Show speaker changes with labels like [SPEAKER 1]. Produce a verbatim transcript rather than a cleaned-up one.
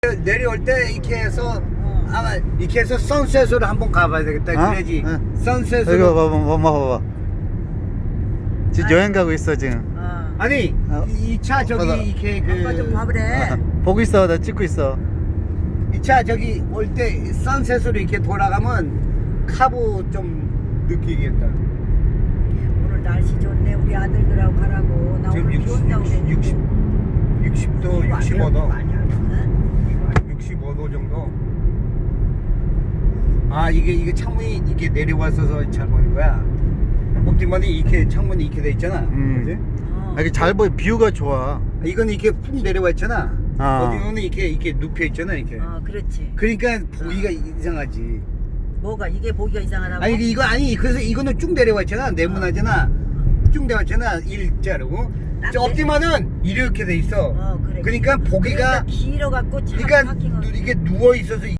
[SPEAKER 1] 내려올 때 이렇게 해서
[SPEAKER 2] 어.
[SPEAKER 1] 아마 이렇게 해서 선셋으로 한번 가봐야 되겠다.
[SPEAKER 3] 어?
[SPEAKER 1] 그래야지.
[SPEAKER 3] 응.
[SPEAKER 1] 선셋으로.
[SPEAKER 3] 이거 봐봐, 봐봐, 봐봐. 지금
[SPEAKER 2] 아니.
[SPEAKER 3] 여행 가고 있어 지금.
[SPEAKER 2] 어.
[SPEAKER 1] 아니
[SPEAKER 3] 어.
[SPEAKER 1] 이 차 저기
[SPEAKER 3] 봐봐.
[SPEAKER 1] 이렇게
[SPEAKER 2] 아빠 좀
[SPEAKER 1] 그
[SPEAKER 2] 봐보래.
[SPEAKER 3] 보고 있어, 나 찍고 있어.
[SPEAKER 1] 이 차 저기 올 때 선셋으로 이렇게 돌아가면 카보 좀 느끼겠다.
[SPEAKER 2] 오늘 날씨 좋네. 우리 아들들하고 가라고. 나
[SPEAKER 1] 지금
[SPEAKER 2] 오늘 비 온다고 그랬는데.
[SPEAKER 1] 육십, 육십 도,
[SPEAKER 2] 이거 안
[SPEAKER 1] 육십오 도,
[SPEAKER 2] 이거 아니야. 응?
[SPEAKER 1] 육십오 도 정도. 아 이게 이게 창문이 이렇게 내려와서 잘 보이는 거야. 옵티머니 이렇게 창문이 이렇게 돼 있잖아.
[SPEAKER 3] 음.
[SPEAKER 1] 그지?
[SPEAKER 2] 어.
[SPEAKER 3] 아, 이게 잘 보여, 뷰가 좋아.
[SPEAKER 1] 이건 이렇게 푹 내려와 있잖아.
[SPEAKER 3] 아.
[SPEAKER 1] 어디는 이렇게 이렇게 눕혀 있잖아 이렇게.
[SPEAKER 2] 어, 그렇지.
[SPEAKER 1] 그러니까 보기가 이상하지.
[SPEAKER 2] 뭐가 이게 보기가 이상하다고?
[SPEAKER 1] 아니 이거 아니 그래서 이거는 쭉 내려와 있잖아. 네모나잖아. 쭉 내려와 있잖아. 일자로.
[SPEAKER 2] 딱
[SPEAKER 1] 저
[SPEAKER 2] 내-
[SPEAKER 1] 옵티머는 이렇게 돼 있어.
[SPEAKER 2] 어, 그래.
[SPEAKER 1] 그러니까 보기가
[SPEAKER 2] 길어 갖고 차
[SPEAKER 1] 그러니까
[SPEAKER 2] 파킹을.
[SPEAKER 1] 누- 이게 누워 있어서